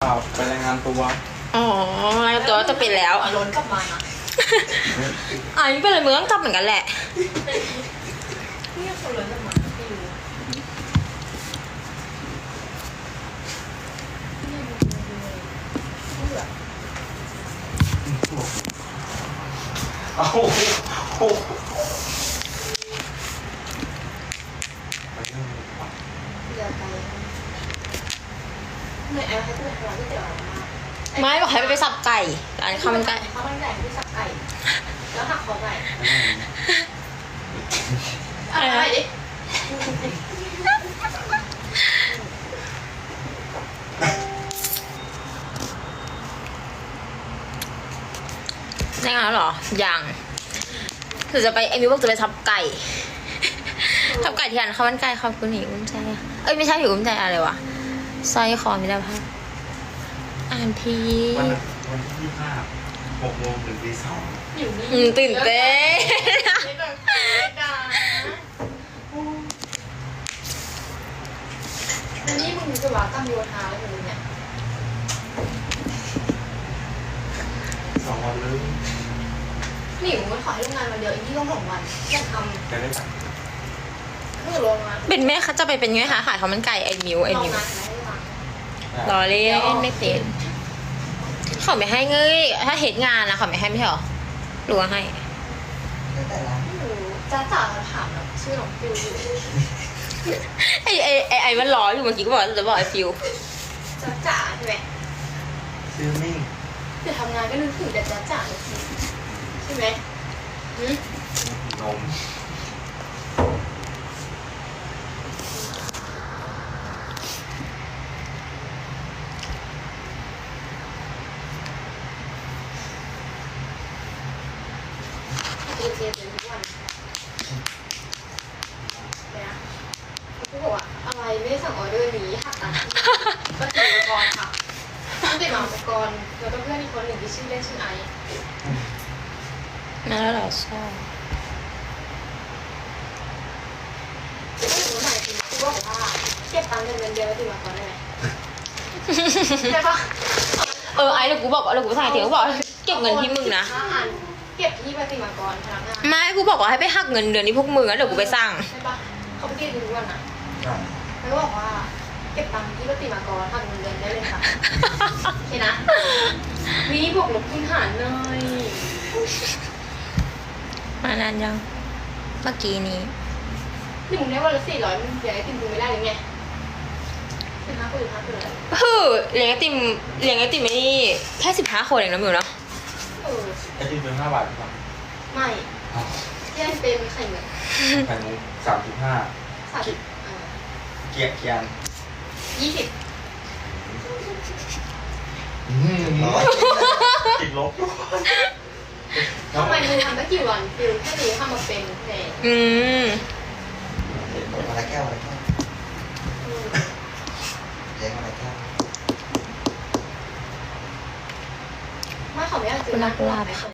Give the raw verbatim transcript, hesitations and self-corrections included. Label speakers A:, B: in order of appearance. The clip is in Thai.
A: ไปรายงานตัว
B: อ๋อรายงานตัวจะเป็นแล้ว
C: ล้นกลับมานะ
B: อ่ะนี่เป็นอะไรมึงต้องจับเหมือนกันแหละ
C: เนี่ยคนล้นกลับมาไม่รู้
A: เอาโอ้โห
C: เดี๋ยวไปเหนื่อยแอลให้กูไปร้านก๋วยเตี๋ยวมา
B: ไม่บอกให้ไปสับไก่อันนี้ข้าวมันไก่
C: ข้าวมันไก่ที่สับไก่แล้วหักคอไก่อะไรดิ
B: ได้งานแล้วเหรอยังหรือจะไปเอมิวบอกจะไปสับไก่สับไก่ที่ร้านข้าวมันไก่ขอบคุณหนิอุ้มใจเอ้ยไม่ใช่หนิอุ้มใจอะไรวะสร้อยคอมิตรภาพอ่านที
A: วันวันที่ยี่สิบห้าหกโมงถึงตีสอง
C: อยู่นี่
B: อืมตื่นเต้น
C: ไม่ต้องไม่ได้อันนี้มึงจะว่าตั้งโยธาแล้วมึงเนี่ย
A: สองวันเลย
C: หนิวมันขอให้โรงงานวันเดียวอีกที่ต้องสองวันอยากท
A: จะได้ตังค์
C: ำเพื่อโรงงาน
B: เป็นแม่คะจะไปเป็นไงคะขายข้าวมันไก่ไอ้มิวไอ้
C: โรง
B: มิว
C: งานไหนให้ตังค์
B: รอเล่นไม่เป็นเขาไม่ให้เงยถ้าเหตุงานนะเขาไม่ให้ไม่ใช่หรอหรือว่าให้
C: ไม่รู้จ้าจ๋าถามแบบชื่อของฟิวอยู่
B: ไอ้ไอ้ไอ้ไอ้มันรออยู่เมื่อกี้ก็บอกจะบอกไอ้ฟิว
C: จ้าจ๋าใช่ไหม
A: ซื้อมิ่ง
C: เดี๋ยวทำงานก็นึกถึงแต่จ้าจ๋าเลยสิใช่ไหมหืม
A: นม
C: เรียนเรียนทุกวันเนี่ยกูบอกว่าอะไรไม่ได้สั่งออเดอร์นี้หักตังค์ก็ติดอุปกรณ์ค่ะต้องติดมาอุปกรณ์แล้วก็เพื่อนอีกคนหนึ่งที่ชื่อเล่นชื่อไอซ์
B: นั่นแล้วเหรอใช่
C: ไม่รู้ไหนจริงคือว่าบอกว่าเก็บตังค์เดือนเดือนเดียวแล้วติดมาก่อนได้ไหมใช่ปะ
B: เออไอ้เดี๋ยวกูบอกว่าเดี๋ยวกูสั่งไอ้เถียงกูบอกเก็บเงินที่มึงนะ
C: ห้าอันเก็บที่ปฏิมากรพนักงาน
B: ไม่กูบอกว่าให้ไปหักเงินเดือนที่พวกมึงแล้วเดี๋ยวกูไปสั่ง
C: ใช่ปะเขาไปเก็บทุกวันอ่ะ
A: อ่ะ
C: แล้วก็บอกว่าเก็บตังค์ที่ปฏิมากรหักเงินเดือนได้เลยค่ะโอเคนะมีบวกลบคูณหารหน่อย
B: มานานยังเมื่อกี้นี้
C: นี่มึงได้วันละสี่ร้อยมึงอยากให้ติมมึงไม่ได้หรือไงสิบห้าคนหรือห้าคนเลย
B: เฮ้อเลี้ยงไอติมเลี้ยงไอติมไม่นี่แค่สิบห้าคนเองนะมิวเนาะ
C: เออ
A: ไอติมเป็นห้าบาทหรือเปล่า
C: ไม่
A: อ้าว
C: แย่งเป็นไข่เงิน
A: ไข่มุกสามสิบห้า
C: สามสิบเออ
A: เกียร์เกียร์
C: ยี่สิบ
A: อืมติดลบ
C: ทำไมมึงทำตั้งกี่วันฟิลแค่นี้ทำมาเป็นแพง
B: อืม
D: มาละแก้วมาละแก้ว
C: อืม
D: เจ๊มาละแก้ว
C: ไม่เขาไม่อยากเจอหน้ากูหรอก